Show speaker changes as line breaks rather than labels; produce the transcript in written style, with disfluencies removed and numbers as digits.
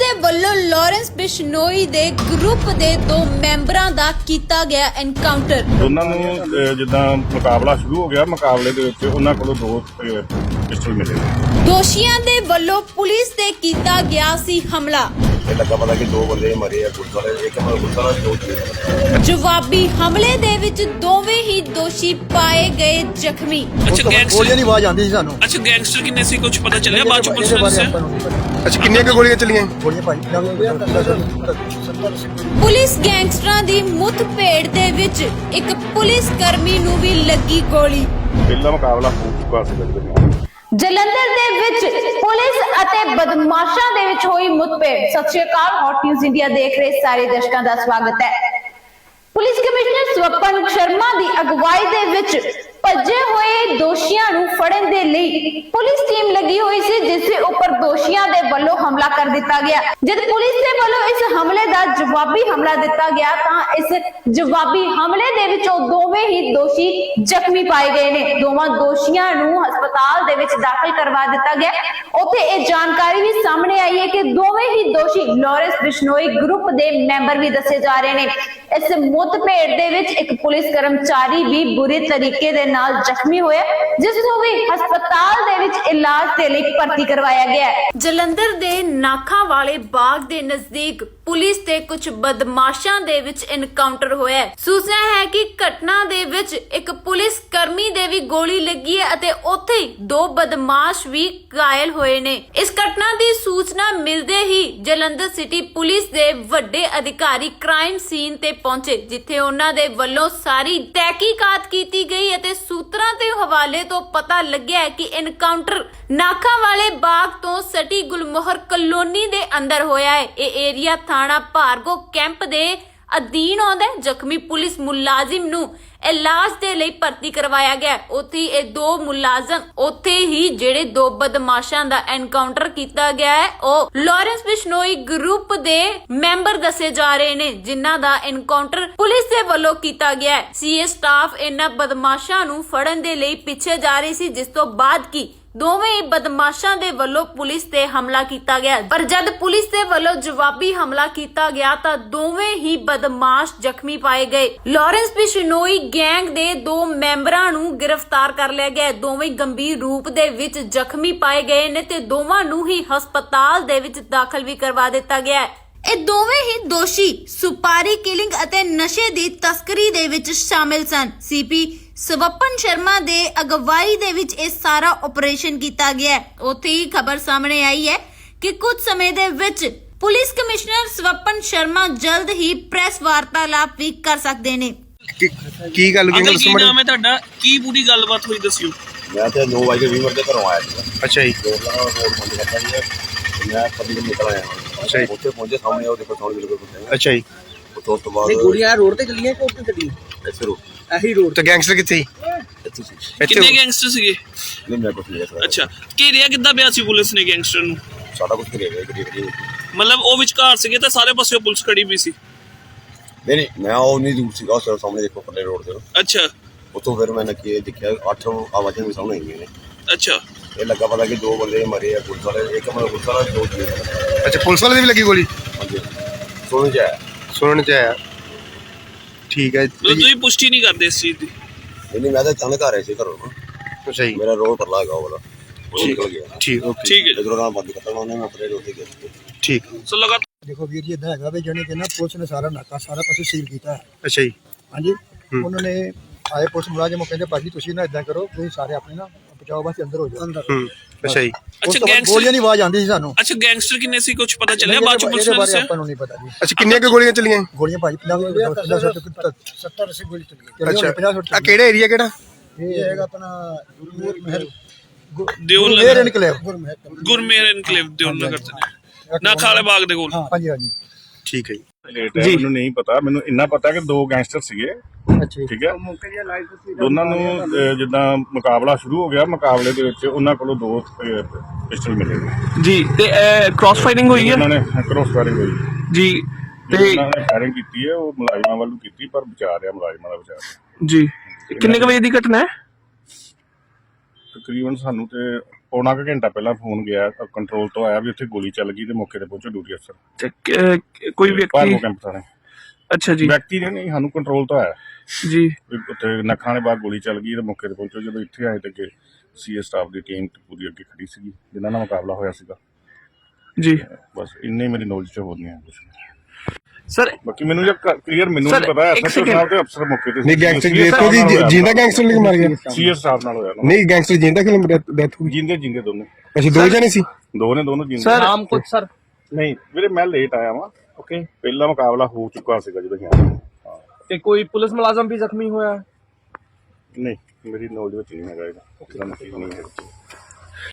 ਦੇ ਵੱਲੋਂ ਲਾਰੈਂਸ ਬਿਸ਼ਨੋਈ ਦੇ ਗਰੁੱਪ ਦੇ 2 ਮੈਂਬਰਾਂ ਦਾ ਕੀਤਾ ਗਿਆ ਐਨਕਾਊਂਟਰ।
ਉਹਨਾਂ ਨੂੰ ਜਿੱਦਾਂ ਮੁਕਾਬਲਾ ਸ਼ੁਰੂ ਹੋ ਗਿਆ, ਮੁਕਾਬਲੇ ਦੇ ਵਿੱਚ ਉਹਨਾਂ ਕੋਲੋਂ 2 ਪਿਸਟਲ ਮਿਲੇ।
ਦੋਸ਼ੀਆਂ ਦੇ ਵੱਲੋਂ ਪੁਲਿਸ ਤੇ ਕੀਤਾ ਗਿਆ ਸੀ ਹਮਲਾ।
ਇਹ ਲੱਗਾ ਪਤਾ ਕਿ 2 ਬੰਦੇ ਮਰੇ ਆ, ਪੁਲਿਸ ਵਾਲੇ ਇੱਕ ਪੁਲਿਸ ਵਾਲਾ 2
ਜਵਾਬੀ ਹਮਲੇ ਦੇ ਵਿੱਚ ਦੋਵੇਂ ਹੀ ਦੋਸ਼ੀ ਪਾਏ ਗਏ ਜ਼ਖਮੀ।
ਅੱਛਾ ਗੈਂਗਸਟਰ
ਗੋਲੀਆਂ ਦੀ ਆਵਾਜ਼ ਆਉਂਦੀ ਸੀ ਸਾਨੂੰ।
ਅੱਛਾ ਗੈਂਗਸਟਰ ਕਿੰਨੇ ਸੀ ਕੁਝ ਪਤਾ ਚੱਲਿਆ ਬਾਅਦ ਚ ਪੁਲਿਸ ਨੇ?
ਅੱਛਾ ਕਿੰਨੀਆਂ ਕੁ ਗੋਲੀਆਂ ਚੱਲੀਆਂ? ਗੋਲੀਆਂ ਭਾਈ
ਪੁਲਿਸ ਗੈਂਗਸਟਰਾਂ ਦੀ ਮੁੱਠਭੇੜ ਦੇ ਵਿੱਚ ਇੱਕ ਪੁਲਿਸ ਕਰਮੀ ਨੂੰ ਵੀ ਲੱਗੀ ਗੋਲੀ।
ਪਹਿਲਾ ਮੁਕਾਬਲਾ ਹੋ ਚੁੱਕਾ ਸੀ।
ਜਲੰਧਰ ਦੇ ਵਿੱਚ ਪੁਲਿਸ ਅਤੇ ਬਦਮਾਸ਼ਾਂ ਦੇ ਵਿੱਚ ਹੋਈ ਮੁੱਠਭੇੜ। ਸਤਿ ਸ਼੍ਰੀ ਅਕਾਲ, ਹੌਟ ਨਿਊਜ਼ ਇੰਡੀਆ ਦੇਖ ਰਹੇ ਸਾਰੇ ਦਰਸ਼ਕਾਂ ਦਾ ਸਵਾਗਤ ਹੈ। ਪੁਲਿਸ ਕਮਿਸ਼ਨਰ ਸਵਪਨ ਸ਼ਰਮਾ ਦੀ ਅਗਵਾਈ ਦੇ ਵਿੱਚ ਭੱਜੇ ਹੋਏ ਦੋਸ਼ੀਆਂ ਨੂੰ ਫੜਨ ਦੇ ਲਈ ਪੁਲਿਸ ਟੀਮ ਲੱਗੀ ਹੋਈ ਸੀ, ਜਿਸ ਦੇ ਉੱਪਰ ਦੋਸ਼ੀਆਂ ਦੇ ਵੱਲੋਂ ਹਮਲਾ ਕਰ ਦਿੱਤਾ ਗਿਆ। ਜਦ ਪੁਲਿਸ ਦੇ ਵੱਲੋਂ ਇਸ ਹਮਲੇ ਦਾ ਜਵਾਬੀ ਹਮਲਾ ਦਿੱਤਾ ਗਿਆ ਤਾਂ ਇਸ ਜਵਾਬੀ ਹਮਲੇ ਦੇ ਵਿੱਚ ਉਹ ਦੋਵੇਂ ਹੀ ਦੋਸ਼ੀ ਜ਼ਖਮੀ ਪਾਏ ਗਏ ਨੇ। ਦੋਵਾਂ ਦੋਸ਼ੀਆਂ ਨੂੰ ਹਸਪਤਾਲ ਦੇ ਵਿੱਚ ਦਾਖਲ ਕਰਵਾ ਦਿੱਤਾ ਗਿਆ। ਉੱਥੇ ਇਹ ਜਾਣਕਾਰੀ ਵੀ ਸਾਹਮਣੇ ਆਈ ਹੈ ਕਿ ਦੋਵੇਂ ਹੀ ਦੋਸ਼ੀ ਲਾਰੈਂਸ ਬਿਸ਼ਨੋਈ ਗਰੁੱਪ ਦੇ ਮੈਂਬਰ ਵੀ ਦੱਸੇ ਜਾ ਰਹੇ ਨੇ। ਇਸ ਮੁੱਠਭੇੜ ਦੇ ਵਿੱਚ ਇੱਕ ਪੁਲਿਸ ਕਰਮਚਾਰੀ ਵੀ ਬੁਰੇ ਤਰੀਕੇ ਦੇ ਨਾਲ ਜ਼ਖਮੀ ਹੋਇਆ, ਜਿਸ ਨੂੰ ਵੀ ਹਸਪਤਾਲ ਦੇ ਵਿੱਚ ਇਲਾਜ ਦੇ ਲਈ ਭਰਤੀ ਕਰਵਾਇਆ ਗਿਆ ਹੈ। ਜਲੰਧਰ ਦੇ ਨਾਖਾ ਵਾਲੇ ਬਾਗ ਦੇ ਨਜ਼ਦੀਕ ਪੁਲਿਸ ਤੇ ਕੁਝ ਬਦਮਾਸ਼ਾਂ ਦੇ ਵਿੱਚ ਐਨਕਾਊਂਟਰ ਹੋਇਆ ਹੈ। ਸੂਚਨਾ ਹੈ ਕਿ ਘਟਨਾ ਦੇ ਵਿੱਚ ਇੱਕ ਪੁਲਿਸ ਕਰਮੀ ਦੇ ਵੀ ਗੋਲੀ ਲੱਗੀ ਹੈ ਅਤੇ ਉੱਥੇ ਹੀ 2 ਬਦਮਾਸ਼ ਵੀ ਘਾਇਲ ਹੋਏ ਨੇ। ਇਸ ਘਟਨਾ ਦੀ ਸੂਚਨਾ ਮਿਲਦੇ ਹੀ ਜਲੰਧਰ ਸਿਟੀ ਪੁਲਿਸ ਦੇ ਵੱਡੇ ਅਧਿਕਾਰੀ ਕ੍ਰਾਈਮ ਸੀਨ ਤੇ ਪਹੁੰਚੇ, ਜਿੱਥੇ ਉਹਨਾਂ ਦੇ ਵੱਲੋਂ ਸਾਰੀ ਤਹਿਕੀਕਾਤ ਕੀਤੀ ਗਈ ਅਤੇ ਸੂਤਰਾਂ ਦੇ ਹਵਾਲੇ ਤੋਂ ਪਤਾ ਲੱਗਿਆ ਕਿ ਐਨਕਾਊਂਟਰ ਨਾਖਾ ਵਾਲੇ ਬਾਗ ਤੋਂ ਸਟੀ ਗੁਲਮੋਹਰ ਕਲੋਨੀ ਦੇ ਅੰਦਰ ਹੋਇਆ ਹੈ। ਇਹ ਏਰੀਆ ਥਾਣਾ ਭਾਰਗੋ ਕੈਂਪ ਦੇ ਅਧੀਨ ਆਉਂਦਾ ਹੈ। ਜ਼ਖਮੀ ਪੁਲਿਸ ਮੁਲਾਜ਼ਮ ਨੂੰ ਇਲਾਜ ਦੇ ਲਈ ਭਰਤੀ ਕਰਵਾਇਆ ਗਿਆ। ਉੱਥੇ ਇਹ 2 ਮੁਲਾਜ਼ਮ ਉੱਥੇ ਹੀ ਜਿਹੜੇ 2 ਬਦਮਾਸ਼ਾਂ ਦਾ ਐਨਕਾਊਂਟਰ ਕੀਤਾ ਗਿਆ ਹੈ, ਉਹ ਲਾਰੈਂਸ ਬਿਸ਼ਨੋਈ ਗਰੁੱਪ ਦੇ ਮੈਂਬਰ ਦੱਸੇ ਜਾ ਰਹੇ ਨੇ, ਜਿਨ੍ਹਾਂ ਦਾ ਐਨਕਾਊਂਟਰ ਪੁਲਿਸ ਦੇ ਵੱਲੋਂ ਕੀਤਾ ਗਿਆ ਹੈ। ਸੀਏ ਸਟਾਫ ਇਹਨਾਂ ਬਦਮਾਸ਼ਾਂ ਨੂੰ ਫੜਨ ਦੇ ਲਈ ਪਿੱਛੇ ਜਾ ਰਹੀ ਸੀ, ਜਿਸ ਤੋਂ ਬਾਅਦ ਕੀ ਦੋਵੇਂ ਹੀ ਬਦਮਾਸ਼ਾਂ ਦੇ ਵੱਲੋਂ ਪੁਲਿਸ ਤੇ ਹਮਲਾ ਕੀਤਾ ਗਿਆ। ਪਰ ਜਦ ਪੁਲਿਸ ਦੇ ਵੱਲੋਂ ਜਵਾਬੀ ਹਮਲਾ ਕੀਤਾ ਗਿਆ ਤਾਂ ਦੋਵੇਂ ਹੀ ਬਦਮਾਸ਼ ਜ਼ਖਮੀ ਪਾਏ ਗਏ। ਲਾਰੈਂਸ ਬਿਸ਼ਨੋਈ ਗੈਂਗ ਦੇ 2 ਮੈਂਬਰਾਂ ਨੂੰ ਗ੍ਰਿਫਤਾਰ ਕਰ ਲਿਆ ਗਿਆ। ਦੋਵੇਂ ਗੰਭੀਰ ਰੂਪ ਦੇ ਵਿੱਚ ਜ਼ਖਮੀ ਪਾਏ ਗਏ ਨੇ ਤੇ ਦੋਵਾਂ ਨੂੰ ਹੀ ਹਸਪਤਾਲ ਦੇ ਵਿੱਚ ਦਾਖਲ ਵੀ ਕਰਵਾ ਦਿੱਤਾ ਗਿਆ ਹੈ। ਇਹ ਦੋਵੇਂ ਹੀ ਦੋਸ਼ੀ ਸੁਪਾਰੀ ਕਿਲਿੰਗ ਅਤੇ ਨਸ਼ੇ ਦੀ ਤਸਕਰੀ ਦੇ ਵਿੱਚ ਸ਼ਾਮਿਲ ਸਨ। ਸੀਪੀ ਸਵਪਨ ਸ਼ਰਮਾ ਦੇ ਅਗਵਾਈ ਦੇ ਵਿੱਚ ਇਹ ਸਾਰਾ ਆਪਰੇਸ਼ਨ ਕੀਤਾ ਗਿਆ। ਉੱਥੇ ਹੀ ਖਬਰ ਸਾਹਮਣੇ ਆਈ ਹੈ ਕਿ ਕੁਝ ਸਮੇਂ ਦੇ ਵਿੱਚ ਪੁਲਿਸ ਕਮਿਸ਼ਨਰ ਸਵਪਨ ਸ਼ਰਮਾ ਜਲਦ ਹੀ ਪ੍ਰੈਸ ਵਾਰਤਾਲਾਪ ਵੀ ਕਰ ਸਕਦੇ ਨੇ।
ਕੀ ਗੱਲ
ਕੀ ਨਾਮ ਹੈ ਤੁਹਾਡਾ? ਕੀ ਪੂਰੀ ਗੱਲਬਾਤ ਹੋਈ ਦੱਸਿਓ।
ਮੈਂ ਤੇ 9:20 ਦੇ ਘਰੋਂ ਆਇਆ ਸੀ।
ਅੱਛਾ ਜੀ।
ਮੈਂ ਕਦੀ ਨਿਕਲ ਆਇਆ।
ਅੱਛਾ ਜੀ।
ਉੱਥੇ ਪਹੁੰਚੇ, ਸਾਹਮਣੇ ਉਹਦੇ ਕੋਲ ਬਿਲਕੁਲ।
ਅੱਛਾ ਜੀ।
ਉਸ ਤੋਂ ਬਾਅਦ
ਗੋਲੀਆਂ ਰੋਡ ਤੇ ਚੱਲੀਆਂ ਕਿ ਉੱਥੇ ਚੱਲੀਆਂ?
ਇੱਥੇ ਰੋ
ਇਹੀ ਰੋਡ ਤੇ। ਗੈਂਗਸਟਰ ਕਿੱਥੇ ਸੀ?
ਇੱਥੇ ਸੀ।
ਕਿੰਨੇ ਗੈਂਗਸਟਰ ਸੀਗੇ?
ਨਹੀਂ ਮੈਂ ਕੁਝ ਨਹੀਂ ਕਿਹਾ।
ਅੱਛਾ ਘੇਰਿਆ ਕਿੱਦਾਂ ਪਿਆ ਸੀ ਪੁਲਿਸ ਨੇ ਗੈਂਗਸਟਰ ਨੂੰ?
ਸਾਡਾ ਕੁਝ ਕਰਿਆ ਗਿਆ।
ਮਤਲਬ ਉਹ ਵਿਚਕਾਰ ਸੀਗੇ ਤਾਂ ਸਾਰੇ ਪਾਸੇ ਪੁਲਿਸ ਖੜੀ ਵੀ ਸੀ?
ਨਹੀਂ ਮੈਂ ਉਹ ਨਹੀਂ ਦੂਰ ਸੀਗਾ, ਉਸ ਸਾਹਮਣੇ ਦੇਖੋ ਪੱਲੇ ਰੋਡ ਤੇ।
ਅੱਛਾ।
ਉੱਥੋਂ ਫਿਰ ਮੈਂ ਨੱਕੀ ਦੇਖਿਆ 8 ਆਵਾਜ਼ਾਂ ਵੀ ਸਾਹਮਣੇ ਆਈਆਂ ਨੇ।
ਅੱਛਾ।
ਇਹ ਲੱਗਾ ਪਤਾ ਕਿ 2 ਬੰਦੇ ਮਰੇ ਆ, ਪੁਲਿਸ ਵਾਲੇ ਇੱਕ ਪੁਲਿਸ ਵਾਲਾ 2
ਅੱਛਾ ਪੁਲਿਸ ਵਾਲੇ ਦੀ ਵੀ ਲੱਗੀ ਗੋਲੀ?
ਹਾਂਜੀ ਸੁਣ ਚ ਆਇਆ।
ਸੁਣਨ ਚ ਆਇਆ। ਠੀਕ ਹੈ।
ਤੁਸੀਂ ਪੁਸ਼ਟੀ ਨਹੀਂ ਕਰਦੇ ਇਸ ਚੀਜ਼ ਦੀ?
ਨਹੀਂ ਮੈਂ ਤਾਂ ਅਚਾਨਕ ਆ ਰਿਹਾ ਸੀ ਘਰੋਂ।
ਅੱਛਾ ਜੀ।
ਮੇਰਾ ਰੋਡ ਪਰਲਾ ਹੈਗਾ ਉਹ ਵਾਲਾ, ਉਹ ਨਿਕਲ ਗਿਆ।
ਠੀਕ ਓਕੇ।
ਠੀਕ ਹੈ।
ਜਦੋਂ ਰਾਹ ਬੰਦ ਕਰਤਾ ਉਹਨੇ ਆਪਣੇ ਰੋਡ ਤੇ ਗਿਆ।
ਠੀਕ।
ਸੋ ਲਗਾ
देखो वीर जी इदा है भी जाने के ना पुलिस ने सारा नाका सारा पासे सील किया है।
ਅੱਛਾ ਜੀ।
हाँ जी उन्होंने आए पुलिस मुलाजिम कहते भाजी तुम ना इदा करो तुम सारे अपने ना बचाओ बस अंदर हो जाओ।
ਅੱਛਾ ਜੀ।
ਅੱਛਾ
गोलियां की आवाज आती सी सानू।
ਅੱਛਾ गैंगस्टर किन्ने सी कुछ पता चलिया बाद ਚ ਪੁਲਿਸ ਨੇ ਦੱਸਿਆ?
अपन नहीं पता जी।
ਅੱਛਾ ਕਿੰਨੀਆਂ ਕੁ ਗੋਲੀਆਂ ਚੱਲੀਆਂ?
गोलियां भाजी 50 गोली चली गई।
ਅੱਛਾ ਆ ਕਿਹੜਾ ਏਰੀਆ ਕਿਹੜਾ?
ये हैगा अपना गुरमेहर
ਦਿਓਲ
इनकलेव।
ਗੁਰਮੇਹਰ ਇਨਕਲੇਵ ਦਿਓਲ ਨਗਰ ਤੇ ਨਾਖਾ ਵਾਲੇ ਬਾਗ ਦੇ ਕੋਲ।
हाँ जी हाँ जी।
ਠੀਕ ਹੈ ਜੀ।
ਮੈਨੂੰ ਨਹੀਂ ਪਤਾ, ਮੈਨੂੰ ਇੰਨਾ ਪਤਾ ਕਿ 2 ਗੈਂਗਸਟਰ ਸੀਗੇ।
अच्छा
ਠੀਕ ਹੈ। ਦੋਨਾਂ ਨੂੰ ਜਿੱਦਾਂ ਮੁਕਾਬਲਾ ਸ਼ੁਰੂ ਹੋ ਗਿਆ, ਮੁਕਾਬਲੇ ਦੇ ਵਿੱਚ ਉਹਨਾਂ ਕੋਲੋਂ 2 ਪਿਸਟਲ ਮਿਲੇ
ਜੀ। ਤੇ ਕ੍ਰਾਸ ਫਾਇਰਿੰਗ ਹੋਈ ਹੈ?
ਉਹਨਾਂ ਨੇ ਕ੍ਰੋਸ ਫਾਇਰਿੰਗ ਹੋਈ
ਜੀ। ਤੇ
ਉਹਨਾਂ ਨੇ ਫਾਇਰਿੰਗ ਕੀਤੀ ਹੈ, ਉਹ ਮੁਲਾਜ਼ਮਾਂ ਵੱਲੋਂ ਕੀਤੀ, ਪਰ ਬਚਾ ਰਿਹਾ ਮੁਲਾਜ਼ਮਾਂ ਦਾ ਬਚਾ।
ਜੀ ਕਿੰਨੇ ਕੁ ਵਜੇ ਦੀ ਘਟਨਾ ਹੈ?
ਤਕਰੀਬਨ ਸਾਨੂੰ ਤੇ ਪੌਣਾ ਕੁ ਘੰਟਾ ਪਹਿਲਾਂ ਫੋਨ ਗਿਆ ਕੰਟਰੋਲ ਤੋਂ ਆਇਆ ਵੀ ਉੱਥੇ ਗੋਲੀ ਚੱਲ ਗਈ ਤੇ ਮੌਕੇ ਤੇ ਪਹੁੰਚੇ ਡਿਊਟੀ ਅਫਸਰ
ਤੇ ਕੋਈ ਵਿਅਕਤੀ
ਭਾਰਗੋ ਕੈਂਪ ਥਾਣੇ
ਅੱਛਾ ਜੀ
ਵਿਅਕਤੀ ਨੇ ਨਹੀਂ ਸਾਨੂੰ ਕੰਟਰੋਲ ਤੋਂ ਆਇਆ
ਜੀ
ਵੀ ਉੱਥੇ ਨੱਖਾਂ ਦੇ ਬਾਅਦ ਗੋਲੀ ਚੱਲ ਗਈ ਤੇ ਮੌਕੇ ਤੇ ਪਹੁੰਚੇ ਜਦੋਂ ਇੱਥੇ ਆਏ ਤੇ ਅੱਗੇ ਸੀਏ ਸਟਾਫ ਦੀ ਟੀਮ ਪੂਰੀ ਅੱਗੇ ਖੜੀ ਸੀਗੀ ਜਿਨ੍ਹਾਂ ਨਾਲ ਮੁਕਾਬਲਾ ਹੋਇਆ ਸੀਗਾ
ਜੀ
ਬਸ ਇੰਨੇ ਮੇਰੀ ਨੌਲੇਜ ਚ ਹੋਰ ਨਹੀਂ ਹੈ ਕੁਛ
ਸਰ
ਬਾਕੀ ਮੈਨੂੰ ਜੇ ਕਲੀਅਰ ਮੈਨੂੰ
Sir,
ਨਹੀਂ ਪਤਾ
ਇੱਕ
ਐਸਐਚਓ ਸਾਹਿਬ ਤੇ ਅਫਸਰ ਮੌਕੇ ਤੇ
ਨਹੀਂ ਗੈਂਗਸਟਰ ਦੇਖੋ ਜੀ ਜਿੰਦਾ ਗੈਂਗਸਟਰ ਲਿਖ ਮਾਰ ਗਿਆ
ਸੀਏ ਸਾਹਿਬ ਨਾਲ ਹੋਇਆ ਨਾ
ਨਹੀਂ ਗੈਂਗਸਟਰ ਜਿੰਦਾ ਕਿਲੋ ਡੈਥ ਹੋ ਗਈ
ਜਿੰਦੇ ਜਿੰਦੇ ਦੋਨੇ
ਅੱਛਾ ਦੋ ਜਣੇ ਸੀ
ਦੋਨੋਂ ਜਿੰਦੇ
ਸਰ
ਨਾਮ ਕੁਝ ਸਰ
ਨਹੀਂ ਵੀਰੇ ਮੈਂ ਲੇਟ ਆਇਆ ਵਾਂ
ਓਕੇ
ਪਹਿਲਾ ਮੁਕਾਬਲਾ ਹੋ ਚੁੱਕਾ ਸੀਗਾ ਜਦੋਂ ਅਸੀਂ ਆਏ
ਤੇ ਕੋਈ ਪੁਲਿਸ ਮੁਲਾਜ਼ਮ ਵੀ ਜ਼ਖਮੀ ਹੋਇਆ
ਨਹੀਂ ਮੇਰੀ ਨੌਲੇਜ ਵਿੱਚ ਨਹੀਂ ਹੈਗਾ ਇਹਦਾ ਨਹੀਂ ਹੈ